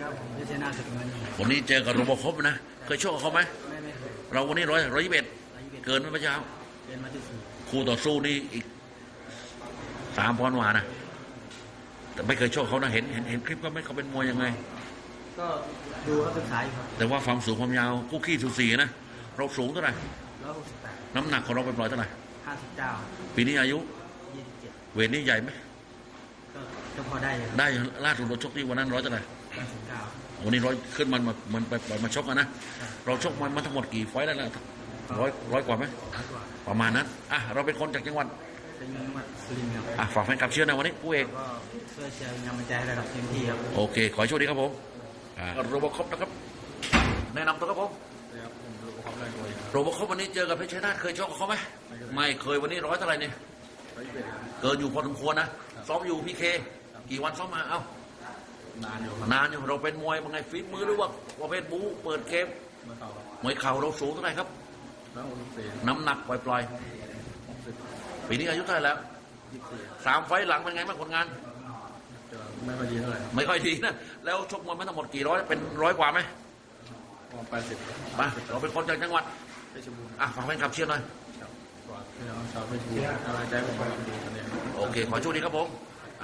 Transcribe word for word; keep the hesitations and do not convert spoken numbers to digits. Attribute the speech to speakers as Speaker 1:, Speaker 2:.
Speaker 1: ครับผมพิชนาสุดเงิน
Speaker 2: วันนี้เจอกับโรบอคอปนะเคยโชคกับเขาไหม
Speaker 1: ไม่ไม่เคย
Speaker 2: เราวันนี้ร้อยร้อยยี่สิบเอ็ด
Speaker 1: ร้อยยี่สิบเอ็ด
Speaker 2: เกินไหมเมื่อเช้า
Speaker 1: เรียนมาที่สี่
Speaker 2: คู่ต่อสู้นี่อีกสามปอนด์กว่านะแต่ไม่เคยโชคเขานะเห็นเห็นเห็นคลิปก็ไม่เขาเป็นมวยยังไง
Speaker 1: ก็ดูเขาศึกษาอยู่ครับ
Speaker 2: แต่ว่าความสูงความยาวคู่ขี้สูสีนะเราสูงเท่าไหร่
Speaker 1: ร้อยหกสิบแปด
Speaker 2: น้ำหนักของเราเป็นร้อยเท่าไหร่
Speaker 1: ห้าสิบเก้า
Speaker 2: ปีนี้อายุ
Speaker 1: ยี่สิบเจ็ด
Speaker 2: เวทนี่ใหญ่ไหม
Speaker 1: ก็ก็พอได้เลยครับ
Speaker 2: ได้ล่าสุดเราชกที่วันนั้นร้อยเท่าไหร่
Speaker 1: ห้าสิบเก้า
Speaker 2: วันนี้ร้อยขึ้นมันมามันไปไปมาชกกันนะเราชกมันมาทั้งหมดกี่ไฟต์แล้วนะร้อยร้อยกว่าไหม
Speaker 1: ร้อยกว่า
Speaker 2: ประมาณนั้นอ่ะเราเป็นคนจากจังหวัด
Speaker 1: เป็นจังหวัดสุรินทร์ครับ
Speaker 2: อ่ะฝากแฟนคลับเชียร์นะวันนี้ผู้เอก
Speaker 1: ก็ช่วยเชียร์เป็นกำลังใจให้ระดับเต็มที่ครับ
Speaker 2: โอเค ขอให้โชคดีครับผมอ่าโรบอคอปนะครับ แนะนำตัวครับผม
Speaker 1: ครับผมรู้ความแรงตัว
Speaker 2: โรบอคอปวันนี้เจอกับเพชรชัยนาทเคยชกกับเขาไหมไม่เคยวันนี้ร้อยเท่าไหร่เนี่ย
Speaker 1: ร้อยยี่สิบเอ็ด
Speaker 2: เกินอยู่พอสมควรนะซ้อมอยู่พี่เคกี่วันซ้อมมาเอ้าน
Speaker 1: านอยู่ครับ
Speaker 2: นานอยู่เราเป็นมวยเป็นไงฟิตมือหรือว่าประเภทบู๊เปิดเกม
Speaker 1: เมื่อเก่าครับ
Speaker 2: มวยเข่าเราสูงเท่าไหร่ครับ
Speaker 1: ร้อยหกสิบสี่
Speaker 2: น้ำหนักปล่อย
Speaker 1: หกสิบ
Speaker 2: ๆปีนี้อายุเท่าไหร่แล้ว
Speaker 1: ยี่สิบสี่
Speaker 2: สามไฟต์หลังเป็นไงบ้างผลงาน
Speaker 1: จะไม่ค่อยดีเท่าไหร่
Speaker 2: ไม่ค่อยดีนะแล้วชกมวยมาทั้งหมดกี่ร้อยเป็นร้อยกว่าไหม
Speaker 1: ประมาณแปดสิบ
Speaker 2: มาเราเป็นคนจากจังหวัด
Speaker 1: เพชรบูรณ์
Speaker 2: อ่ะฝากแฟนคลับเชียร์หน่อย
Speaker 1: ครับกว่าพี่น้องชาวเพชรบูรณ์กำลังใจผมเป็นดีกันเอง
Speaker 2: โอเค ขอโชคดีครับผม
Speaker 1: ค